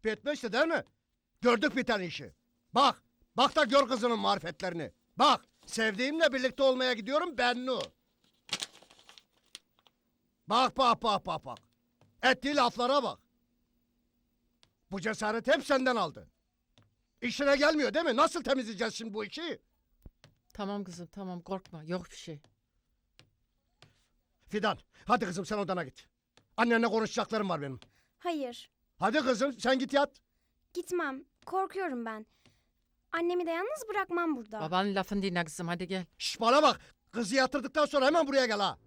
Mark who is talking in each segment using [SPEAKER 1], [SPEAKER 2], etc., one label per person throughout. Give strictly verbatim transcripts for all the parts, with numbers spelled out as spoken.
[SPEAKER 1] Bitmişti değil mi? Gördük biten işi. Bak, bak da gör kızının marifetlerini. Bak, sevdiğimle birlikte olmaya gidiyorum Bennu. Bak, bak, bak, bak, bak. Ettiği laflara bak. Bu cesaret hep senden aldı. İşine gelmiyor değil mi? Nasıl temizleyeceğiz şimdi bu işi?
[SPEAKER 2] Tamam kızım tamam korkma yok bir şey.
[SPEAKER 1] Fidan, hadi kızım sen odana git. Annenle konuşacaklarım var benim.
[SPEAKER 3] Hayır,
[SPEAKER 1] Hadi kızım sen git yat.
[SPEAKER 3] gitmem. Korkuyorum ben. Annemi de yalnız bırakmam burada.
[SPEAKER 2] Babanın lafını dinle kızım hadi gel.
[SPEAKER 1] Şş bana bak. Kızı yatırdıktan sonra hemen buraya gel ha.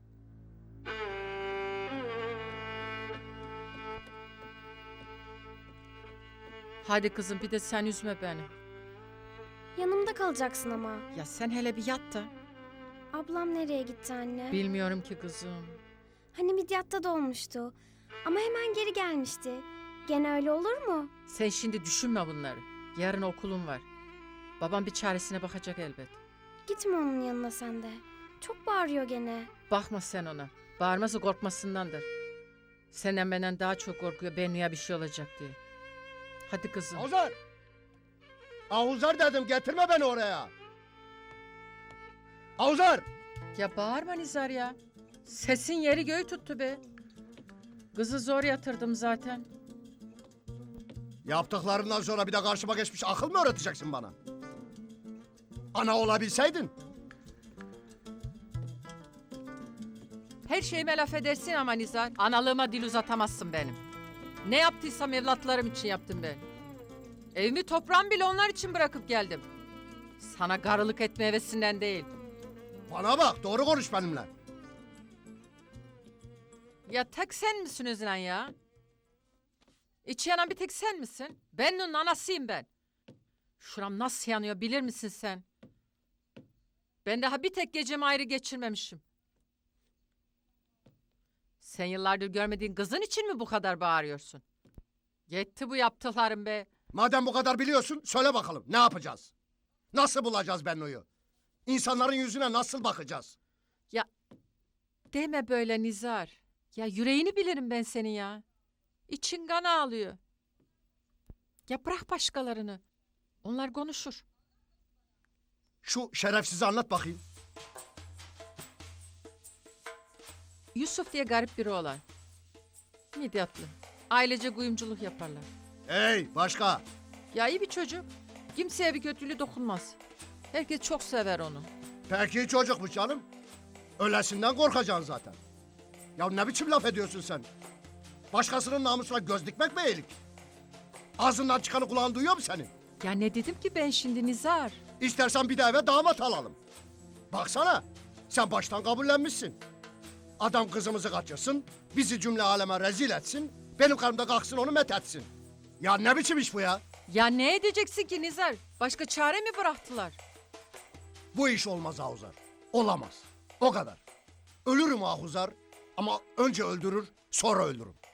[SPEAKER 2] Hadi kızım bir de sen üzme beni.
[SPEAKER 3] Yanımda kalacaksın ama.
[SPEAKER 2] Ya sen hele bir yat da.
[SPEAKER 3] Ablam nereye gitti anne?
[SPEAKER 2] Bilmiyorum ki kızım.
[SPEAKER 3] Hani Midyat'ta da olmuştu. Ama hemen geri gelmişti. Gene öyle olur mu?
[SPEAKER 2] Sen şimdi düşünme bunları. Yarın okulun var. Babam bir çaresine bakacak elbet.
[SPEAKER 3] Gitme onun yanına sen de. Çok bağırıyor gene.
[SPEAKER 2] Bakma sen ona. Bağırması korkmasındandır. Senden benden daha çok korkuyor Bennu'ya bir şey olacak diye. Hadi kızım.
[SPEAKER 1] Avuzar. Avuzar dedim getirme beni oraya. Avuzar.
[SPEAKER 2] Ya bağırma Nizar ya. Sesin yeri göğü tuttu be. Kızı zor yatırdım zaten.
[SPEAKER 1] Yaptıklarından sonra bir de karşıma geçmiş akıl mı öğreteceksin bana? Ana olabilseydin.
[SPEAKER 2] Her şeyime laf edersin ama Nizar. Analığıma dil uzatamazsın benim. Ne yaptıysam evlatlarım için yaptım ben. Evimi toprağımı bile onlar için bırakıp geldim. Sana garılık etme hevesinden değil.
[SPEAKER 1] Bana bak doğru konuş benimle.
[SPEAKER 2] Ya tek sen misin Özlen ya? İçi yanan bir tek sen misin? Bennu'nun anasıyım ben. Şuram nasıl yanıyor bilir misin sen? Ben daha bir tek gecemi ayrı geçirmemişim. Sen yıllardır görmediğin kızın için mi bu kadar bağırıyorsun? Yetti bu yaptıklarım be.
[SPEAKER 1] Madem bu kadar biliyorsun söyle bakalım ne yapacağız? Nasıl bulacağız Bennu'yu? İnsanların yüzüne nasıl bakacağız?
[SPEAKER 2] Ya deme böyle Nizar. Ya yüreğini bilirim ben senin ya. İçin kan ağlıyor. Ya bırak başkalarını. Onlar konuşur.
[SPEAKER 1] Şu şerefsizi anlat bakayım.
[SPEAKER 2] Yusuf diye garip biri olan. Midyatlı. Ailece kuyumculuk yaparlar.
[SPEAKER 1] Hey başka.
[SPEAKER 2] Ya iyi bir çocuk. Kimseye bir kötülüğü dokunmaz. Herkes çok sever onu.
[SPEAKER 1] Peki çocukmuş canım. Ölesinden korkacaksın zaten. Ya ne biçim laf ediyorsun sen? Başkasının namusuna göz dikmek mi iyilik? Ağzından çıkanı kulağın duyuyor mu senin?
[SPEAKER 2] Ya ne dedim ki ben şimdi Nizar?
[SPEAKER 1] İstersen bir de eve damat alalım. Baksana sen baştan kabullenmişsin. Adam kızımızı kaçırsın, bizi cümle aleme rezil etsin, benim karımda kalksın onu met etsin. Ya ne biçim iş bu ya?
[SPEAKER 2] Ya ne edeceksin ki Nizar? Başka çare mi bıraktılar?
[SPEAKER 1] Bu iş olmaz Ahuzar. Olamaz. O kadar. Ölürüm Ahuzar ama önce öldürür sonra öldürürüm.